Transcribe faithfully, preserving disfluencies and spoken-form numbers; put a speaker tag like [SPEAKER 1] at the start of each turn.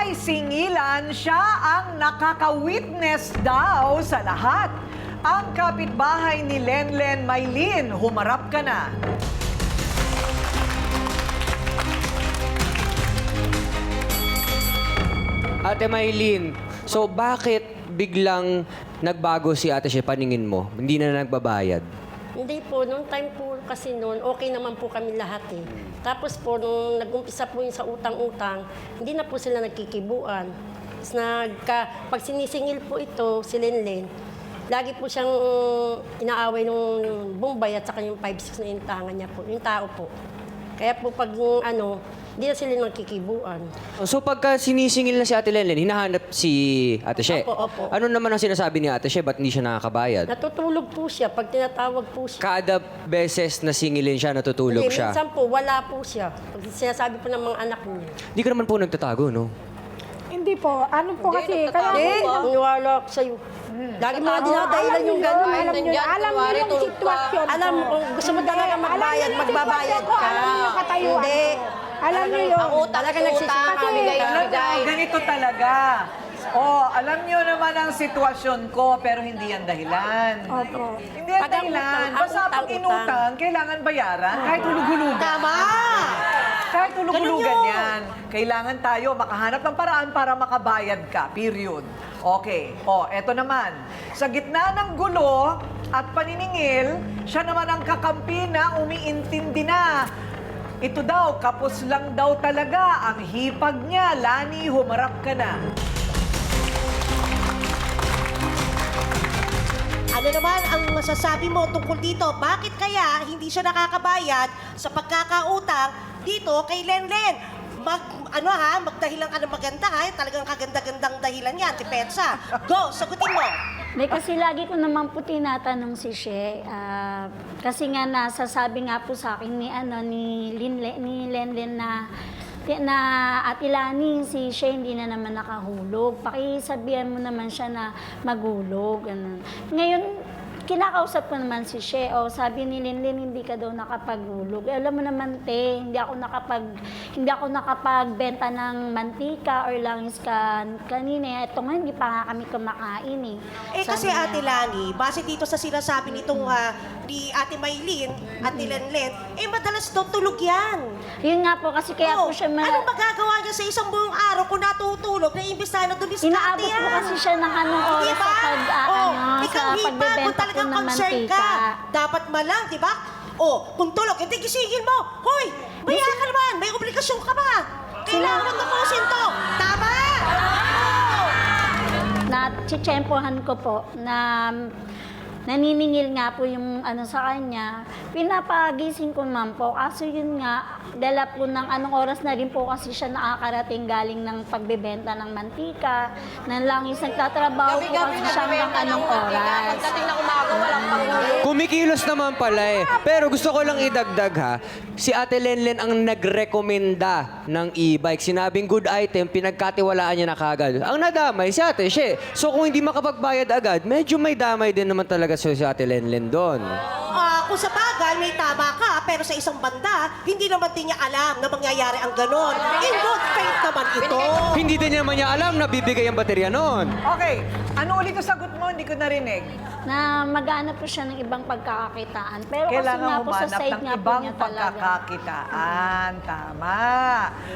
[SPEAKER 1] May singilan, siya ang nakaka-witness daw sa lahat. Ang kapitbahay ni Lenlen Maylin, humarap ka na.
[SPEAKER 2] Ate Maylin, so bakit biglang nagbago si Ate She paningin mo? Hindi na nagbabayad?
[SPEAKER 3] Hindi po, nung time po kasi noon, okay naman po kami lahat eh. Tapos po, nung nag-umpisa po yung sa utang-utang, hindi na po sila nagkikibuan. Tapos nagka, pag sinisingil po ito, si Lenlen, lagi po siyang inaaway nung Bombay at saka yung five six na intangan niya po, yung tao po. Kaya po pag ano, hindi na sila nagkikibuan.
[SPEAKER 2] So pagka sinisingil na si Ate Lenlen, hinahanap si Ate She.
[SPEAKER 3] Opo, opo.
[SPEAKER 2] Ano naman ang sinasabi ni Ate She? Ba't hindi siya nakakabayad?
[SPEAKER 3] Natutulog po siya pag tinatawag po siya.
[SPEAKER 2] Kada beses na singilin siya, natutulog
[SPEAKER 3] Hindi,
[SPEAKER 2] siya.
[SPEAKER 3] minsan po, wala po siya. Pag sinasabi po ng mga anak niya.
[SPEAKER 2] Hindi ka naman po nagtatago, no?
[SPEAKER 4] Hindi po. Ano po kasi, kaya
[SPEAKER 3] Hindi, maniwala ako sa'yo. Lagi mga dinadahilan yung gano'n.
[SPEAKER 4] alam nyo, alam nyo yung sitwasyon ko.
[SPEAKER 3] Alam mo, kung gusto mo talaga magbayad,
[SPEAKER 4] Alam nyo yung
[SPEAKER 3] magbabayad
[SPEAKER 4] sitwasyon ko,
[SPEAKER 3] ka.
[SPEAKER 4] Alam nyo yung katayuan
[SPEAKER 3] Hindi.
[SPEAKER 4] ko. Alam nyo yun.
[SPEAKER 5] Ang utang,
[SPEAKER 3] Talaga
[SPEAKER 5] utang,
[SPEAKER 3] nagsisimula
[SPEAKER 5] kami
[SPEAKER 4] Kasi,
[SPEAKER 5] kayo
[SPEAKER 1] Alam mo,
[SPEAKER 5] bigay.
[SPEAKER 1] ganito talaga. Oh, alam niyo naman ang sitwasyon ko, pero hindi yan dahilan.
[SPEAKER 4] Opo.
[SPEAKER 1] Hindi yan
[SPEAKER 3] Pag ang
[SPEAKER 1] dahilan.
[SPEAKER 3] utang, ang
[SPEAKER 1] Basta pag
[SPEAKER 3] utang,
[SPEAKER 1] inutang, kailangan bayaran. Kahit hulug-hulugan. Tama! Kahit hulug-hulugan yan. Kailangan tayo makahanap ng paraan para makabayad ka. Period. Okay. Oh, eto naman. Sa gitna ng gulo at paniningil, siya naman ang kakampi na umiintindi na. Ito daw, kapos lang daw talaga ang hipag niya. Lani, humarap ka na.
[SPEAKER 6] Ano naman ang masasabi mo tungkol dito? Bakit kaya hindi siya nakakabayad sa pagkakautang dito kay Lenlen? Mag, ano ha, magdahilan ka ng maganda ha, talagang kaganda-gandang dahilan yan, depensa. Go, sagutin mo.
[SPEAKER 7] May kasi lagi ko naman po tinatanong si She. ah, kasi nga nasasabi nga po sa akin ni ano ni Linle, ni Lenlen na na Ate Lani, si She hindi na naman nakahulog. Pakisabihan mo naman siya na magulog. Ganun. Ngayon, kinakausap ko naman si She. O, sabi ni Linlen, hindi ka daw nakapagulog. Eh, alam mo naman, te, hindi ako nakapag hindi ako nakapagbenta ng mantika or langis ka kanina. Ito nga, hindi pa nga kami kumakain eh.
[SPEAKER 6] Eh kasi
[SPEAKER 7] Sabi niya,
[SPEAKER 6] Ate Lani, base dito sa sinasabi nitong ah, ni Ate Maylin at ni Lenlen, eh madalas daw tulog yan.
[SPEAKER 7] Yun nga po, kasi kaya
[SPEAKER 6] Oh,
[SPEAKER 7] po siya ma-
[SPEAKER 6] anong magagawa niya sa isang buong araw kung natutulog na imbis na dumiskarte
[SPEAKER 7] Inaabot
[SPEAKER 6] yan?
[SPEAKER 7] po kasi siya ng anong oras
[SPEAKER 6] Diba?
[SPEAKER 7] sa pag, ah,
[SPEAKER 6] Oh,
[SPEAKER 7] ano,
[SPEAKER 6] ikaw
[SPEAKER 7] sa
[SPEAKER 6] hipa, kung
[SPEAKER 7] pagbebenta po
[SPEAKER 6] talagang
[SPEAKER 7] ng
[SPEAKER 6] concern
[SPEAKER 7] mantika.
[SPEAKER 6] ka, dapat malang, di ba? Oh, kung tulog, hindi gisingin mo. Hoy, maya ka naman, may obligasyon ka ba? Kailangan mo tapusin to. Tama!
[SPEAKER 7] Na chitsempohan ko po na naniningil nga po yung ano sa kanya. Pinapagising ko naman po. Kaso yun nga, dala po ng anong oras na rin po kasi siya nakakarating galing ng pagbebenta ng mantika. Nang langis nagtatrabaho po
[SPEAKER 5] Gabi-gabi
[SPEAKER 7] kasi siya ng
[SPEAKER 5] nagbibenta
[SPEAKER 7] anong
[SPEAKER 5] ng mantika.
[SPEAKER 7] oras.
[SPEAKER 5] Pagdating na umaga, walang panghulog.
[SPEAKER 2] Kumikilos naman pala eh. Pero gusto ko lang idagdag ha, si Ate Lenlen ang nagrekomenda ng e-bike. Sinabing good item, pinagkatiwalaan niya na kagad. Ang nadamay si Ate She. So kung hindi makapagbayad agad, medyo may damay din naman talaga si Ate Lenlen doon.
[SPEAKER 6] Ah, kung sa bagay, may tama ka, pero sa isang banda, hindi naman din niya alam na mangyayari ang ganon. In good faith naman ito.
[SPEAKER 2] Hindi din naman niya alam na bibigay ang baterya noon.
[SPEAKER 1] Okay. Ano ulit ang sagot mo? Hindi ko narinig.
[SPEAKER 7] Na mag-ano po siya ng ibang pagkakakitaan. Pero kasi
[SPEAKER 1] Kailangan
[SPEAKER 7] nga po sa
[SPEAKER 1] humanap
[SPEAKER 7] side
[SPEAKER 1] ng
[SPEAKER 7] nga po
[SPEAKER 1] ibang
[SPEAKER 7] niya talaga.
[SPEAKER 1] pagkakakitaan. Tama.